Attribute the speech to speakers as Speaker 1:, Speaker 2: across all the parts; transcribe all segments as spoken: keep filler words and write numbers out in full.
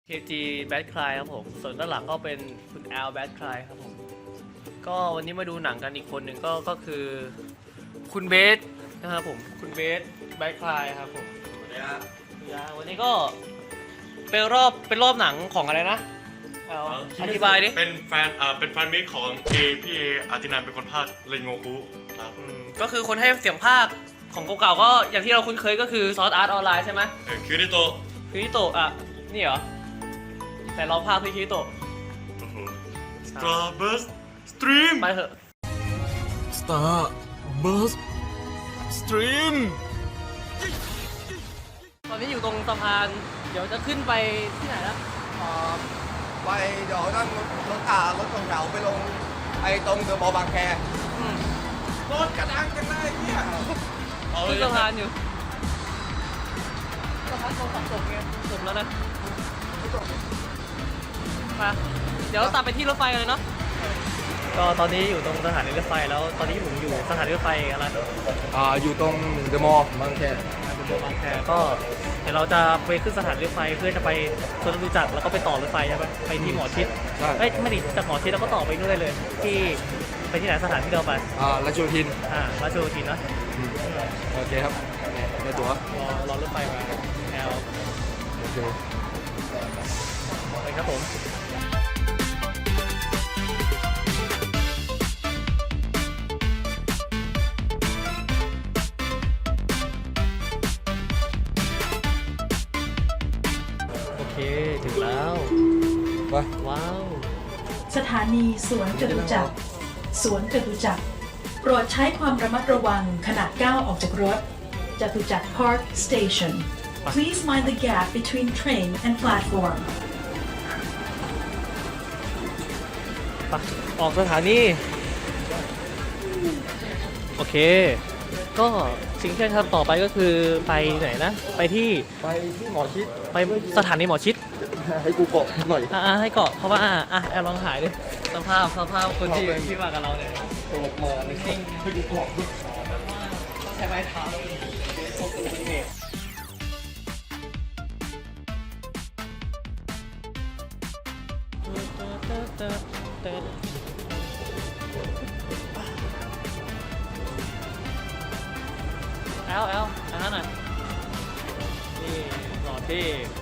Speaker 1: เค จี Bad Cry ครับผมส่วนด้านหลังก็เป็นคุณ L Bad Cry ครับผมก็วันนี้มาดูหนังกันอีกคนหนึ่งก็ก็คือคุณเบสนะครับผมคุณเบส Bad Cry ครับผมวันนี้ก็เป็นรอบเป็นรอบหนังของอะไรนะเอาอธิบายดิ
Speaker 2: เป็นแฟนอ่าเป็นแฟนมิตรของเอพี่เออาร์ตินันเป็นคนพากย์เรนโงคุครับ
Speaker 1: อืมก็คือคนให้เสียงภาคของเก่าๆก็อย่างที่เราคุ้นเคยก็คือซอสอาร์ตออนไลน์ใช่ไหม
Speaker 2: เออคิริโตะ
Speaker 1: คิริโตะอ่ะนี่เหรอแต่เราภาคพี่คิริโตะ
Speaker 2: สตาร์บัสสตรีม
Speaker 1: ไปเถอะ
Speaker 2: Star Bus Stream
Speaker 1: ตอนนี้อยู่ตรงสะพานเดี๋ยวจะขึ้นไปที่ไหนนะอ๋อ
Speaker 3: ไปเดี๋ยวนั่งรถอ่ารถสองแถวไปลงไอ้ตรงเดอะมอลล์บางแค
Speaker 1: อืม
Speaker 3: รถกระดังกันได้เนี่ย
Speaker 1: ขึ้นสะพานอยู่สะพานโดนสับสนไงจบแล้วนะมาเดี๋ยวตัดไปที่รถไฟกันเลยเนาะก็ตอนนี้อยู่ตรงสถานีรถไฟแล้วตอนนี้ผมอยู่สถานีรถไฟอะไร
Speaker 3: อ่าอยู่ตรงเดอะมอลล์บางแค
Speaker 1: บางแคก็เดี๋ยวเราจะไปขึ้นสถานีรถไฟเพื่อจะไปสวนจตุจักรแล้วก็ไปต่อรถไฟใช่ไหมไปที่หมอชิดเอ้ยไม่ดิจากหมอชิดแล้วก็ต่อไปนู่นได้เลย ที่ไปที่ไหนสถานที่เราไป
Speaker 3: อ่าราชโยธิน
Speaker 1: อ่าราชโยธินนะ
Speaker 3: โอเคครับในตั๋ว
Speaker 1: รอรอรถไฟมาแอล
Speaker 3: โอเค
Speaker 1: ไปครับผมโอเคถึงแล้ว
Speaker 3: ไป
Speaker 1: ว้าว
Speaker 4: สถานีสวนจตุจักร สวนจตุจักร โปรดใช้ความระมัดระวังขณะก้าวออกจากรถ จตุจักร Park Station Please mind the gap between train and platform
Speaker 1: ไปออกสถานีโอเค ก็สิ่งที่จะทำต่อไปก็คือไปไหนนะ ไปที่
Speaker 3: ไปที่หมอชิด
Speaker 1: ไปสถานีหมอชิด
Speaker 3: ให้กูเกาะหน่อย
Speaker 1: อ่าให้เกาะเพราะว่าอ่ะอ่ะแอลลองถ่ายดิสภาพสภาพคนที่ที่มากับเราเนี่ย
Speaker 3: ตกมาในซิ่งให้กูเกาะด้วย
Speaker 1: ต้องใช้ไม้เท้าพกเป็นเบรกแอลแอลอันนั้นน่ะนี่หล่อที่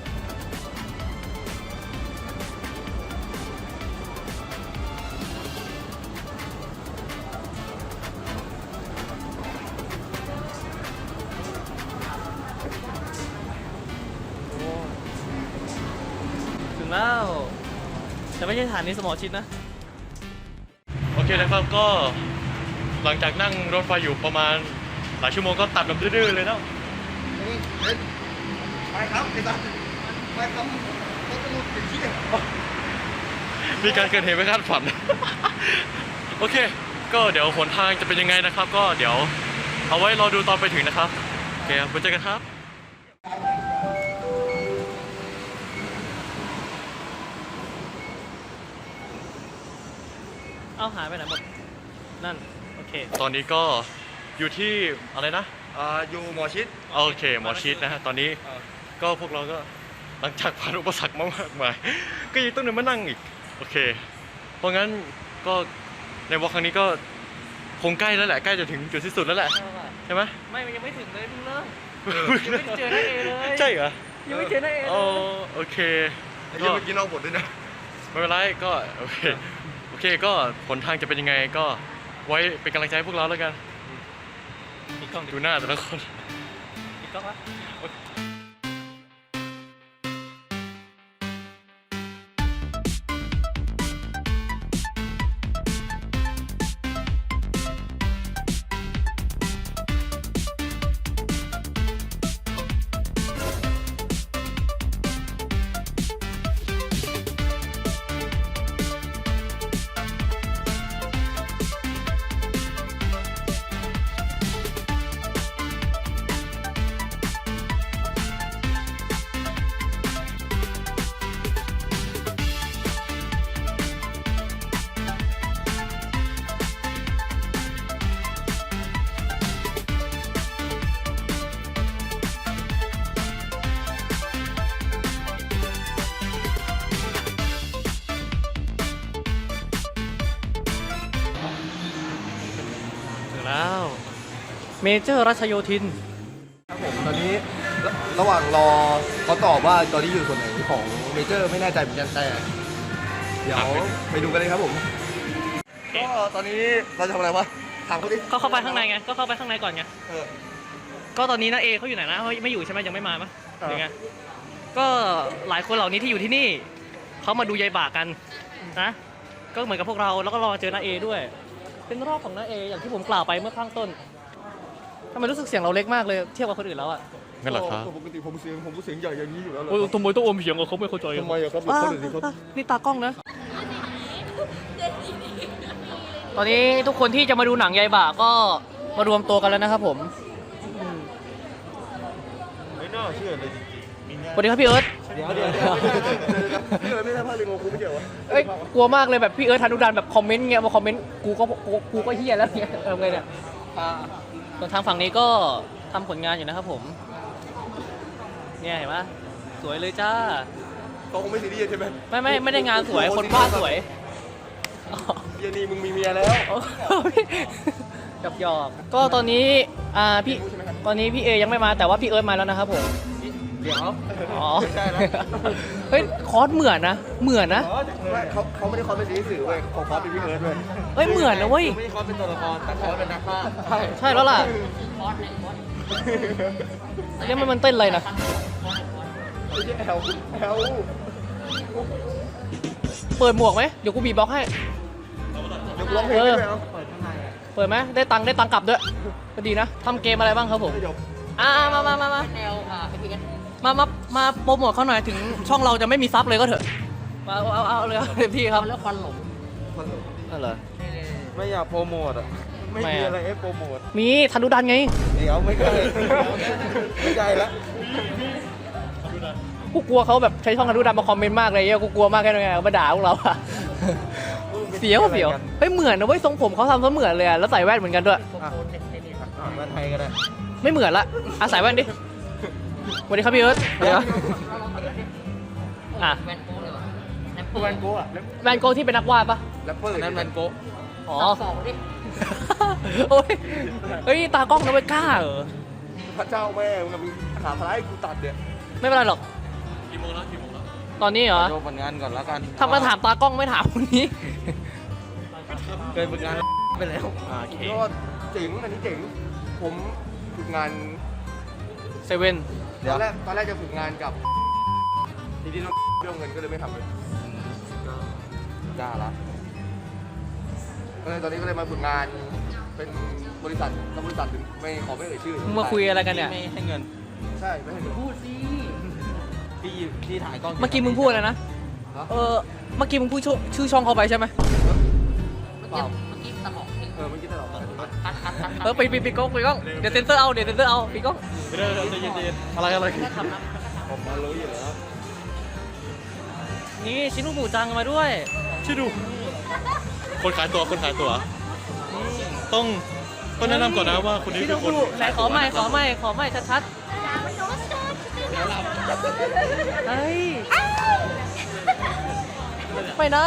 Speaker 1: ถึงแล้วแต่ไม่ใช่สถานีสมอชิดนะ
Speaker 2: โอเคนะครับก็หลังจากนั่งรถไฟอยู่ประมาณหลายชั่วโมงก็ตัดแบบดื้อๆเลยเนาะ
Speaker 3: นี่เฮ้ยไปครับไอ้สัสไปครับรถจะหลุดติดที่
Speaker 2: มีการเกิดเหตุไม่คาดฝัน โอเค ก็เดี๋ยวหนทางจะเป็นยังไงนะครับ ก็เดี๋ยวเอาไว้รอดูตอนไปถึงนะครับโอเคครับไว้เจอกันครับ
Speaker 1: เอ้าหายไปไหนหมด นั่น โอเค
Speaker 2: ตอนนี้ก็อยู่ที่อะไรนะ
Speaker 3: อ่าอยู่หมอชิด
Speaker 2: โอเคหมอชิดนะฮะตอนนี้ก็พวกเราก็หลังจากผ่านอุปสรรคมามากมาย ก็ยังต้องเดินมานั่งอีกโอเค เพราะงั้นก็ในวอล์คครั้งนี้ก็คงใกล้แล้วแหละใกล้จะถึงจุดที่สุดแล้วแหละใช่ไหม
Speaker 1: ไม่มันยังไม่ถึงเลยเพิ่งเริ่ม ยังไม่เจอหน้าเอเลย
Speaker 2: ใช่เหรอ
Speaker 1: ยังไม่เจอหน้าเอเล
Speaker 2: โอย โอเค
Speaker 3: ไอ้
Speaker 2: ก็
Speaker 3: เหี้ยเมื่อกี้นอกบทด้วยนะ
Speaker 2: ไม่เป็นไรก็โอเคโอเคก็ผลทางจะเป็นยังไงก็ไว้เป็นกำลังใจให้พวกเราแล้วกัน
Speaker 1: อีกกล้อง
Speaker 2: ดูหน้าแต่ละคน
Speaker 1: อีกกล้องวะเมเจอร์รัชโยธิน
Speaker 3: ครับผมตอนนี้ระระหว่างรอเขาตอบว่าตอนนี้อยู่ส่วนไหนของเมเจอร์ไม่แน่ใจเหมือนกันแต่เดี๋ยวไปดูกันเลยครับผมก็ตอนนี้เราจะทำอะไรวะถามเขาดิ
Speaker 1: เขาเข้าไปข้างในไง ก็เข้าไปข้างในก่อนไง
Speaker 3: เออ
Speaker 1: ก็ตอนนี้น้าเอเขาอยู่ไหนนะเขาไม่อยู่ใช่ไหมยังไม่มาปะ
Speaker 3: เออ
Speaker 1: หรือไง ก็หลายคนเหล่านี้ที่อยู่ที่นี่ เขามาดูยายบากกันนะ ก็เหมือนกับพวกเรา แล้วก็รอเจอน้าเอด้วย เป็นรอบของน้าเออย่างที่ผมกล่าวไปเมื่อข้างต้นทำไมรู้สึกเสียงเราเล็กมากเลยเทียบกับคนอื่นแล้วอะ
Speaker 2: งั้นเหรอครับ
Speaker 3: ปกติผมเสียงผมเสียงใหญ่อย่างนี้อยู่แล้วเหรอ
Speaker 1: โอ้ยทำไมต้องอมเสียงกับเขาไม่เข้าใจ
Speaker 3: ทำไมอะครับคนอื่นเขา
Speaker 1: นี่ตากล้องนะ ตอนนี้ทุกคนที่จะมาดูหนังยายบ่าก็มารวมตัวกันแล้วนะครับผม
Speaker 3: ไม่น่าเชื่อเลยจริง
Speaker 1: สวัสดีครับพี่เอิร์ธ
Speaker 3: ๆเดี๋ยวเดี๋ยวเดี๋ยวพี่เอ๋ไม่ได้พลาดเลยงงคุณไม่เกี่ยววะ
Speaker 1: เอ้ยกลัวมากเลยแบบพี่เอิร์ธธนุดานแบบคอมเมนต์เงี้ยมาคอมเมนต์กูก็กูกูก็เฮียแล้วเงี้ยเออไงเนี่ยส่วนทางฝั่งนี้ก็ทำผลงานอยู่นะครับผม เนี่ยเห็นปะสวยเลยจ้า
Speaker 3: เขาคงไม่ซีเรียสใช่ไหม
Speaker 1: ไม่ไม่ไม่ได้งานสวยคนวาดสวยอ๋อ
Speaker 3: เยนี่มึงมีเมียแล้ว
Speaker 1: โอ้ยหยอกหยอกก็ตอนนี้อ่าพี่ตอนนี้พี่เอยังไม่มาแต่ว่าพี่เอิร์ธมาแล้วนะครับผม
Speaker 3: เดี๋ยว
Speaker 1: อ๋อ
Speaker 3: ไม่ใช่แล้ว
Speaker 1: เฮ้ยคอสเหมือนนะเหมือนนะ
Speaker 3: ไม่เขาเขาไม่ได้คอสเป็นซีรีส์สื่อเว้ยเขาคอสเป็นพี่เอิร์ธเว้ย
Speaker 1: เฮ้ยเหมือนนะเว้ย
Speaker 3: ไม่ได้คอสเป็นตัวละครแต่คอสเป็นนักฆ่าใช่
Speaker 1: ใช่แล้วล่ะแล้วมันมันเต้นอะไรนะ
Speaker 3: ไม่ใช่แอลแอล
Speaker 1: เปิดหมวกไหมเดี๋ยวกูบีบบ็อกซ์ให้
Speaker 3: เดี๋ยวกูร้องเพลงให้ด้วยเอา
Speaker 1: เปิดไหมได้ตังค์ได้ตังค์กลับด้วยก็ดีนะทำเกมอะไรบ้างครับผม
Speaker 3: ไม่จบ
Speaker 1: อ่ามามามามามามามาโปรโมทเขาหน่อยถึงช่องเราจะไม่มีซับเลยก็เถอะมาเอาเอาเอาเลยครับเต็มที่ครับแล้วควันหลงนั่นเหรอ
Speaker 3: ไม่อยากโปรโมทอ่ะไม่มีอะไรให้โปรโมท
Speaker 1: มีธนุดันไง
Speaker 3: เดี๋ยวไม่ใช่ไม่ใช่ละ
Speaker 1: กูกลัวเขาแบบใช้ช่องธนุดันมาคอมเมนต์มากเลยเหี้ยกูกลัวมากแค่ไหนมาด่าพวกเราอะเสียวเสียวเฮ้ยเหมือนนะเว้ยทรงผมเขาทำซะเหมือนเลยอะแล้วใส่แว่นเหมือนกันด้วย
Speaker 3: อ่ะมาไทยก็ได้
Speaker 1: ไม่เหมือนละอาศัยแว่นดิสวัสดีครับพี่เอิร์ธเดี๋ยวอ่ะ
Speaker 3: แวนโก้อะ
Speaker 1: แวนโกที่เป็นนักวาดปะ
Speaker 3: แรปเปอร์นั้นแวนโก้
Speaker 1: อ๋อโอ้ยเฮ้ยตากล้องนะเว้ยกล้าเหรอ
Speaker 3: พระเจ้าแม่มึงกับมึงขาพลายกูตัดเนี่ย
Speaker 1: ไม่เป็นไรหรอก
Speaker 2: กี่โมงแล้วกี่โมงแล้ว
Speaker 1: ตอนนี้เหรอ
Speaker 3: โยผลงานก่อนแล้วกัน
Speaker 1: ทำมาถามตากล้องไม่ถามคนนี้
Speaker 3: เคยฝึกงานไปแล้ว
Speaker 1: โอเค
Speaker 3: ก็เจ๋งอันนี้เจ๋งผมฝึกงาน
Speaker 1: เซเว่น
Speaker 3: ตอนแรกตอนแรกจะฝึกงานกับทีนี้ต้องเรื่องเงินก็เลยไม่ทำเลยจ้าละก็เลยตอนนี้ก็เลยมาฝึกงานเป็นบริษัทแล้วบริษัทหนึ่งไม่ขอไม่เอ่ยชื่อ
Speaker 1: มึงมาคุยอะไรกันเนี่ย
Speaker 3: ไม่ให้เงินใช่ไม่ให้เงินพูดสิพี่พี่ถ่ายกล้อง
Speaker 1: เมื่อกี้มึงพูดอะไรนะ เออ เมื่อกี้มึงพูดชื่อชื่อช่องเขาไปใช่ไหม
Speaker 3: เปล่าเมื่อกี้ตลกเออเมื่อกี้ตลก
Speaker 1: เออไปปิดปิดกล้องปิดกล้อง เดี๋ยวเซนเซอร์เอา เดี๋ยวเซนเซอร์เอาปิดกล้อง
Speaker 2: ไม่ได้ใจเย็นๆอะไรอะไร
Speaker 3: ผมมารู้อยู่แล้ว
Speaker 1: นี่ชินุหมูจังมาด้วย
Speaker 2: ช่วยดู คนขายตัวคนขายตัว ต้องต้องแนะนำก่อนนะว่าคนนี้
Speaker 1: ชิ
Speaker 2: เป็
Speaker 1: นุ
Speaker 2: น
Speaker 1: ห
Speaker 2: คน
Speaker 1: มูไหนขอไม่ขอไม่ขอไม่ชัดๆเฮ้ยไปนะ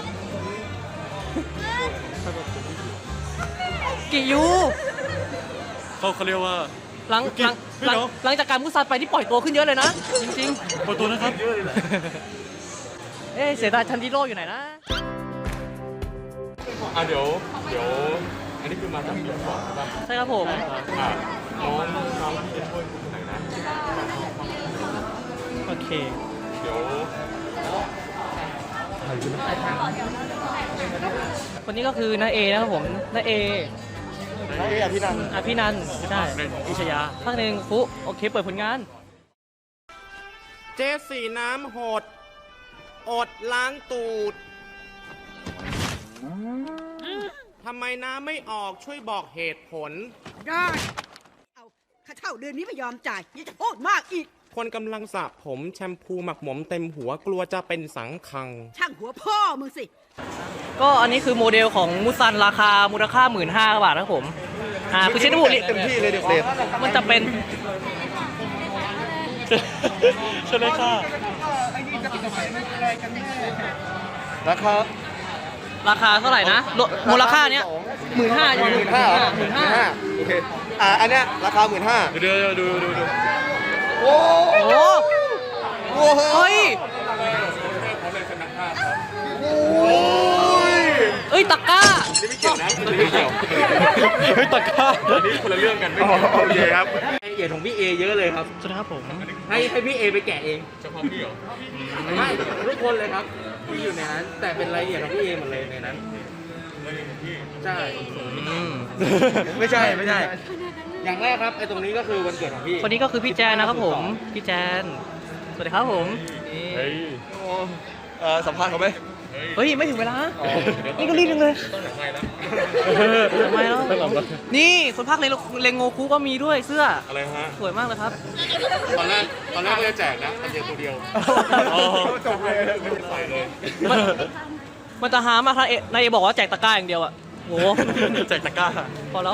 Speaker 1: กิยู
Speaker 2: เขาเขาเรียกว่า
Speaker 1: หลังหลังหลังหลังจากการมุสันไปที่ปล่อยตัวขึ้นเยอะเลยนะ จริง
Speaker 2: เปิดตัวนะครับ
Speaker 1: ๆ เอ๊ะเสียดายทันจิโร่อยู่ไหนนะ
Speaker 2: อ่ะเดี๋ยวเดี๋ยวอันนี้คือมาจากปีก่อนใช่ปะ
Speaker 1: ใช่ครับผม
Speaker 2: อ่ะน้องน้องที่จะช่วยคุณคนไหนนะ
Speaker 1: โอเค
Speaker 2: เดี๋ยว
Speaker 1: คนนี้ก็คือน้าเอนะครับผมน้าเอ
Speaker 3: ไอ้อภินันท์
Speaker 1: อภินันท์ไม่ใช่อิชยาภาคหนึ่งฟุโอเค เปิดผลงาน
Speaker 5: เจสสีน้ำหด อดล้างตูด ทำไมน้ำไม่ออกช่วยบอกเหตุผล
Speaker 6: ได้ เอาค่าเช่าเดือนนี้ไม่ยอมจ่ายยังจะโทษมากอีก
Speaker 5: คนกำลังสระผมแชมพูหมักหมมเต็มหัวกลัวจะเป็นสังคัง
Speaker 6: ช่างหัวพ่อมึงสิ
Speaker 1: ก็อันนี้คือโมเดลของมุซันราคามูลค่าหมื่นห้าบาทนะครับผม อ่าคือชินุบุริ
Speaker 3: เต็มที่เลยเด็กเด็ก
Speaker 1: มันจะเป็น
Speaker 2: เชิญเลยค่ะ
Speaker 3: ราคา
Speaker 1: ราคาเท่าไหร่นะโลมูลค่าเนี้ยหมื่นห้า
Speaker 3: หมื่นห้า
Speaker 1: หมื่นห้า
Speaker 3: โอเคอ่าอันเนี้ยราคาหมื่นห้า
Speaker 2: เดี๋ยวดูดูดู
Speaker 3: โอ้
Speaker 1: โอ้
Speaker 3: โห
Speaker 1: เฮ้ย เอ้ยตะกร้า
Speaker 2: เฮ้ยตะกร้า
Speaker 3: โอเคครับ
Speaker 5: เหรียญของพี่เอเยอะเลยครับ
Speaker 1: สวัสดีครับผม
Speaker 5: ให้ให้พี่เอไปแกะเองเฉพาะพี่เหรอไม่ทุกคนเลยครับที่อยู่ในนั้น แต่เป็นรายละเอียดของพี่เอหมดเลยในนั้นใช่
Speaker 3: ไม่ใช่ไม่ใช่
Speaker 5: อย่างแรกครับไอ้ตรงนี้ก็คือวันเกิดของพี่
Speaker 1: คนนี้ก็คือพี่แจนนะครับผม พี่แจน สวัสดีครับผมนี่
Speaker 2: เฮ้ย
Speaker 3: เอ่อสัมภาษณ์เขาไหม
Speaker 1: เฮ้ย ไม่ถึงเวลา นี่ก็รีบจังเลยทำไมแล้วนี่คนภาคเลงเลงโงคุก็มีด้วยเสื้อ
Speaker 2: อะไรฮะ
Speaker 1: สวยมากเลยครับ
Speaker 5: ตอนแรกตอนแรกก็จะแจกนะแต่เดียวตัวเดียว
Speaker 3: จบเลย
Speaker 5: ใส่เลย
Speaker 1: มันมันจะหามากถ้าเอนายเอบอกว่าแจกตะกร้าอย่างเดียวอะโห
Speaker 2: แจกตะกร้า
Speaker 1: พอแล้ว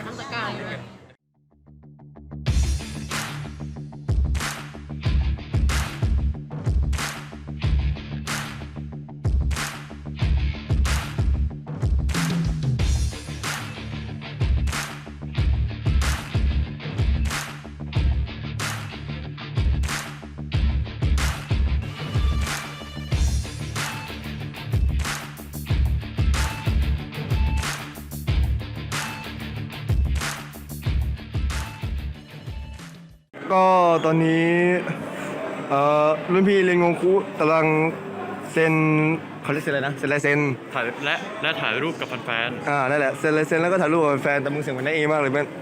Speaker 3: ก็ตอนนี้เอ่อรุ่นพี่เรียนงงคุกำลังเซ็นเขาเรียกเซ็นอะไรนะเซ็นลายเซ็น
Speaker 2: ถ่ายและและถ่ายรูปกับแฟน
Speaker 3: อ่านั่นแหละเซ็นลายเซ็นแล้วก็ถ่ายรูปกับแฟนแต่มึงเสียงเหมือนนายเอมากเลยเพื่อน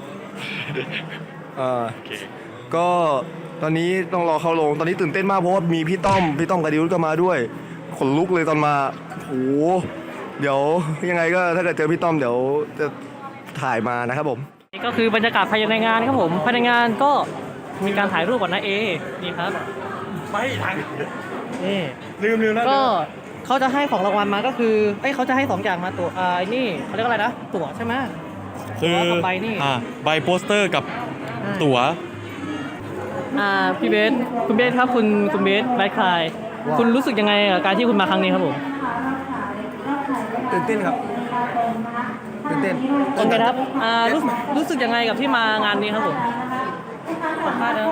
Speaker 3: อ่า
Speaker 2: ๆโอเค
Speaker 3: ก็ตอนนี้ต้องรอเข้าลงตอนนี้ตื่นเต้นมากเพราะว่ามีพี่ต้อมพี่ต้อมกับดิวก็มาด้วยขนลุกเลยตอนมาโอ้โหเดี๋ยวยังไงก็ถ้าเกิดเจอพี่ต้อมเดี๋ยวจะถ่ายมานะครับผม
Speaker 1: นี่ก็คือบรรยากาศภายในงานครับผมภายในงานก็มีการถ่ายรูปกับน้าเอนี่ครับ
Speaker 2: ไม่ทัน
Speaker 1: นี่
Speaker 2: ลืมลืมแล้ว
Speaker 1: ก็เขาจะให้ของรางวัลมาก็คือเอ้ยเขาจะให้สองอย่างมาตัวอ่าไอ้นี่เขาเรียกอะไรนะตั๋วใช่ไหม
Speaker 2: คือ
Speaker 1: ตั๋วกับใบนี่
Speaker 2: อ่าใบโปสเตอร์กับตั๋ว
Speaker 1: อ่าพี่เบสคุณเบสครับคุณคุณเบสไบคลายคุณรู้สึกยังไงกับการที่คุณมาครั้งนี้ครับผม
Speaker 3: ตื่นเต้นครับตื่นเต้น
Speaker 1: โอเคครับอ่ารู้รู้สึกยังไงกับที่มางานนี้ครับผมสัมภาษณ์นะครับ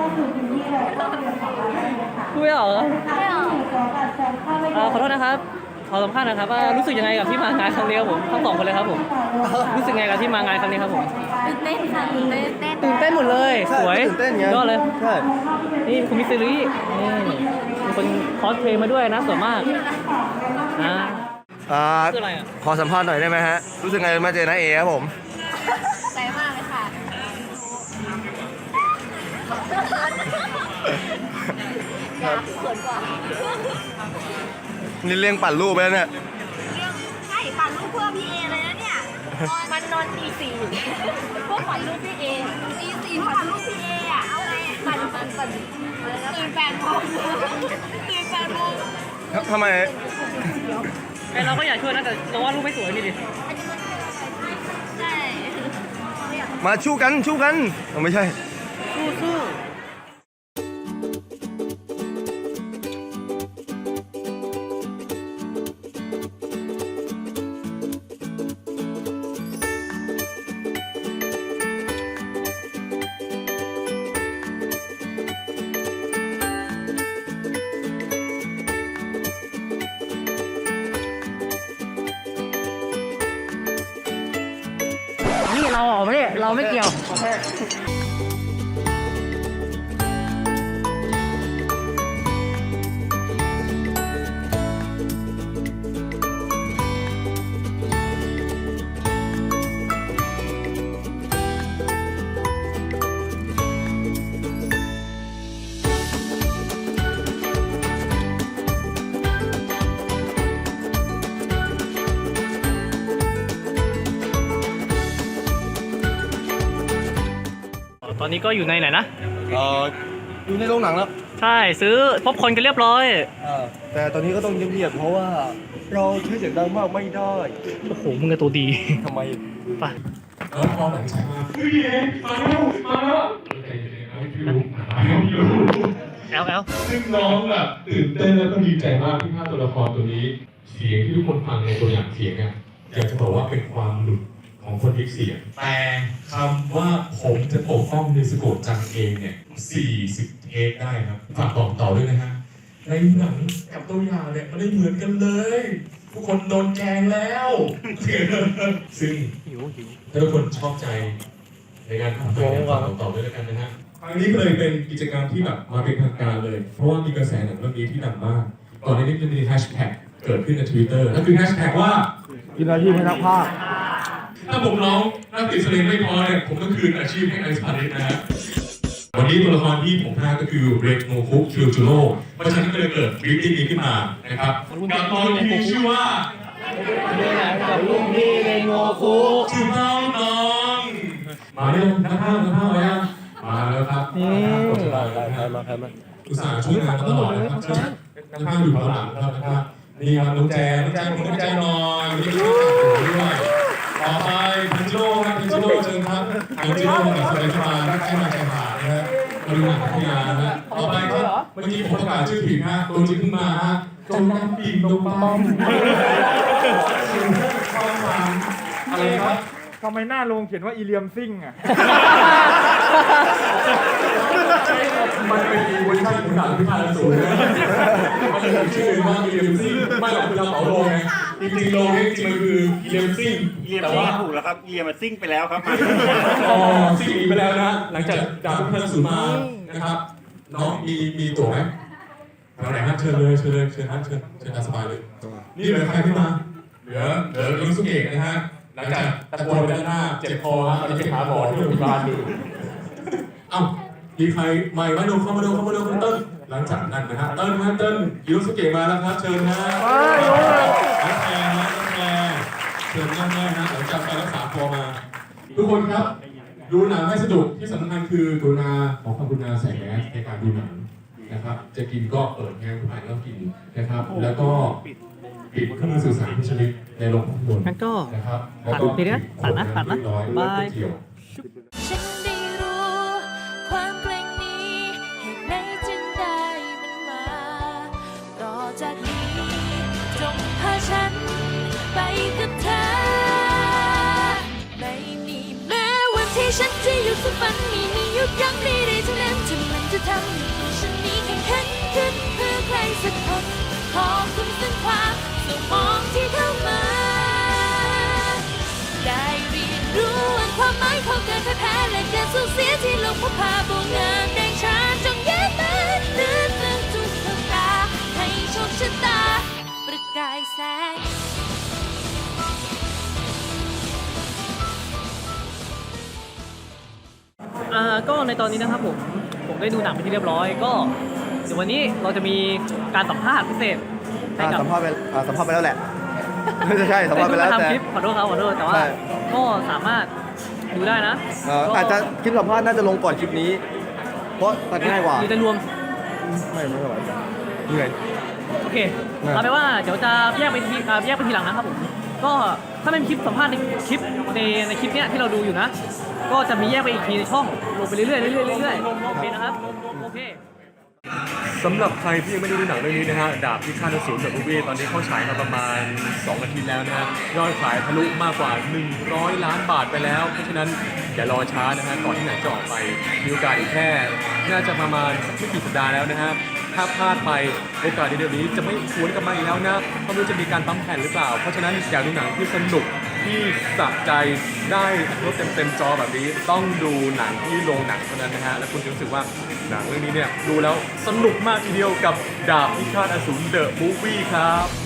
Speaker 1: พูดไม่ออกเหรออ่าขอโทษนะครับขอสัมภาษณ์นะครับว่ารู้สึกยังไงกับที่มางานครั้งนี้ครับผมทั้งสองคนเลยครับผมรู้สึกยังไงกับที่มางานครั้งนี้ครับผม
Speaker 7: ตื่นเต้นค่ะตื่นเต้นเต้น
Speaker 1: ตื่นเต้นหมดเลย
Speaker 3: ใช่
Speaker 1: สวย
Speaker 3: ตื่นเต้นไง
Speaker 1: ยอดเลย
Speaker 3: ใช่
Speaker 1: นี่คุณมิสซิรี่นี่มีคนคอสเพลย์มาด้วยนะสวยมากอ่า
Speaker 3: อ่า
Speaker 1: คืออะไรอ่ะ
Speaker 3: ขอสัมภาษณ์หน่อยได้ไหมฮะรู้สึกไงมาเจอน้าเอครับผม
Speaker 7: ใจมากเลยค่ะอยากเขินกว่า
Speaker 3: นี่เลี้ยงปั่นรูปไปแล้วเนี่ย
Speaker 7: ใช่ปั่นรูปเพื่อพี่เอเลยนะเนี่ย มันนอนตีสี่พวกปั่นรูปพี่เอตีสี่พวกปั่นรูปพี่เออ่ะ เอาไงปั่นปั่นปั่นตื่นแปดโมงตื่นแปดโมง
Speaker 3: ทำไม
Speaker 1: ไอเราก็อยากช่วยนะแต่เราว่ารูปไม่สวยนี่ดิ
Speaker 7: ใช่
Speaker 3: มาชู้กันชู้กันอ๋อไม่ใช่
Speaker 1: สู้สู้ นี่เราออกมาเนี่ยเราไม่เกี่ยว ตอนนี้ก็อยู่ในไหนนะ
Speaker 3: เอ่ออยู่ในโรงหนังแล้ว
Speaker 1: ใช่ซื้อป๊อปคอร์นกันเรียบร้อย
Speaker 3: แต่ตอนนี้ก็ต้องเงียบๆเพราะว่าเราใช้เสียงดังมากไม่ได้
Speaker 1: โอ้โห มึงกับตัวดี
Speaker 3: ทำไม
Speaker 1: ไปแอลแอล
Speaker 8: ซึ่งน้องแบบตื่นเต้นแล้วก็ดีใจมากที่ภาพตัวละครตัวนี้ เสียงที่ทุกคนฟังในตัวอย่างเสียงอ่ะอยากจะบอกว่าเป็นความหลุดขของคนเอกเสียงแต่คำว่าผมจะปกป้องเนสโกะจังเองเนี่ยสี่สิบเทคได้ครับฝากบอกต่อด้วยนะฮะในหนังกับตัวอย่างเนี่ยมันได้เหมือนกันเลยทุกคนโดนแกงแล้ว ซึ่งถ้าทุกคนชอบใจในการทำไปเนี่ยฝากบอกต่อด้วยแล้วกันนะฮะครั้งนี้ก็เลยเป็นกิจกรรมที่แบบมาเป็นทางการเลย เพราะว่ามีกระแสหนังเรื่องนี้ที่ดังมากก่อนหน้านี้จะมีแฮชแท็กเกิดขึ้นใน Twitter นั่นคือแฮชแท็กว่า
Speaker 3: กินอาชีพให้นักภาค
Speaker 8: ถ้าผมร้องนักติดสลิงไม่พอเนี่ยผมต้องคืนอาชีพให้ไอซ์พาริสนะฮะวันนี้ตัวละครที่ผมพากก็คือเรกโนคุคิวจูโร่เพราะฉะนั้นก็เลยเกิดวิธีนี้ขึ้นมานะครับกับตอนที่ชื่อว่า
Speaker 3: กับลุงพี่เรโงคุ
Speaker 8: ชื่อน้องน้องมาเร็วนักภาพนักภาพมายังมาแล้วครับนี่อุตส่าห์ช่วยงานตลอดนะครับเชิญนักภาพอยู่ข้างหลังครับนะครับนี่ครับน้องแจน้องแจผมน้องแจหน่อยวันนี้ก็ด้วยต่อไปพิจิโร่ครับพิจิโร่เชิญครับพิจิโร่กับสเปนสปานักแข่งมาแข่งขานะฮะมาดูหนังพัทยานะฮะต่อไปครับเมื่อกี้ผมประกาศชื่อผิดฮะตัวจริงขึ้นมาฮะจงน้ำปิ่งตรงป้อมความหวังอะไรครับ
Speaker 9: ทำไมหน้าโรงเขียนว่าอีเลียมซิ่งอ่ะ
Speaker 8: มันเป็นเวอร์ชันของหนังพิพากษาสูงนะมันเป็นชื่อว่าอีเลมซิ่งไม่หรอกคือเราเผาโรงไงจริงๆโรงนี้จริงๆมันคืออีเลมซิ่ง
Speaker 10: เรียมซิ่งถูกแล้วครับเรียมมันซิ่งไปแล้วครับ
Speaker 8: อ๋อซิ่งหนีไปแล้วนะหลังจากดาบพิพากษาสูงมานะครับน้องมีมีตั๋วไหมเอาไหนฮะเชิญเลยเชิญเลยเชิญฮะเชิญเชิญตามสบายเลยนี่เหลือใครที่มาเหลือเหลือลุงสุเกะนะฮะหลังจากตะโกนด้านหน้าเจ็บคอฮะตอนนี้ไปหาหมอที่โรงพยาบาลอยู่เอ้ามีใครใหม่มาดูเข้ามาดูเข้ามาดูคุณเติ้ลหลังจากนั้นนะฮะเติ้ลฮะเติ้ลยูสุเกะมาแล้วครับเชิญนะน้องแอร์นะน้องแอร์เชิญแม่ๆนะหลังจากไปรักษาตัวมา ทุกคนครับดูหนังให้สนุกที่สำคัญคือกรุณาขอความกรุณาใส่แมสในการดูหนังนะครับจะกินก็เปิดแง่ผ่านแล้วกินนะครับแล้วก็ปิดเครื่องมือสื่อสารทุกชนิดในโรงภาพยนตร์นะครับแล้วก็ปิดตัดนะตัดนะบาย
Speaker 7: ฉันได้รู้ความเกรงนี้เหตุไหนจึงได้มันมา ต่อจากนี้จงพาฉันไปกับเธอ ไม่มีแม้วันที่ฉันจะหยุดฝันมีมีหยุดยั้งใดๆทั้งนั้นที่มันจะทำให้ฉันนี้แข็งขันขึ้นเพื่อใครสักคนขอบคุณซึ่งความสมองที่เข้ามา ได้เรียนรู้วันความหมายของการแพ้และการสูญเสียที่ลงพพาโบงานแดงชาจงแย้มมันลื่นเรื่องทุกดวงตาให้โชคชะตาประกายแสง
Speaker 1: อ่าก็ในตอนนี้นะครับผมผมได้ดูหนังไปที่เรียบร้อย ก็เดี๋ยววันนี้เราจะมีการสัมภาษณ์พิเศษให้กับ
Speaker 3: สัมภาษณ์ไปอ่าสัมภาษณ์ไปแล้วแหละ ไม่ใช่สัมภาษณ์ไปแล้วแต่
Speaker 1: ทำคลิปขอโทษครับขอโทษแต่ว่า
Speaker 3: ใช่
Speaker 1: ก็สามารถดูได้นะ
Speaker 3: เอ่ออาจจะคลิปสัมภาษณ์น่าจะลงก่อนคลิปนี้ เพราะตัดง่ายกว่า
Speaker 1: หรือจะรวม
Speaker 3: ไม่ไม่ไหวเหนื่อย
Speaker 1: โอเค
Speaker 3: นะ
Speaker 1: เอาไปนว่าเดี๋ยวจะแยกไปทีอ่าแยกไปทีหลังนะครับผมก็ถ้าเป็นคลิปสัมภาษณ์ในคลิปในในคลิปเนี้ยที่เราดูอยู่นะ ก็จะมีแยกไปอีกทีในช่องลงไปเรื่อยๆเรื่อยๆเรื่อยๆโอเคนะครับโอเค
Speaker 2: สำหรับใครที่ยังไม่ได้ดูหนังเรื่องนี้นะฮะดาบพิฆาตอสูรจากมูฟวี่ตอนนี้เข้าฉายมาประมาณสองอาทิตย์แล้วนะฮะยอดขายทะลุมากกว่าหนึ่งร้อยล้านบาทไปแล้วเพราะฉะนั้นอย่ารอช้านะฮะก่อนที่หนังจะออกไปมีโอกาสอีกแค่น่าจะประมาณไม่กี่สัปดาห์แล้วนะฮะถ้าพลาดไปโอกาสในเดือนนี้จะไม่หวนกลับมาอีกแล้วนะไม่รู้จะมีการปั๊มแผ่นหรือเปล่าเพราะฉะนั้นอยากดูหนังที่สนุกที่สะใจได้รถเต็มๆจอแบบนี้ต้องดูหนังที่โรงหนังเท่านั้นนะฮะและคุณจะรู้สึกว่าหนังเรื่องนี้เนี่ยดูแล้วสนุกมากทีเดียวกับดาบพิฆาตอสูรเดอะมูฟวี่ครับ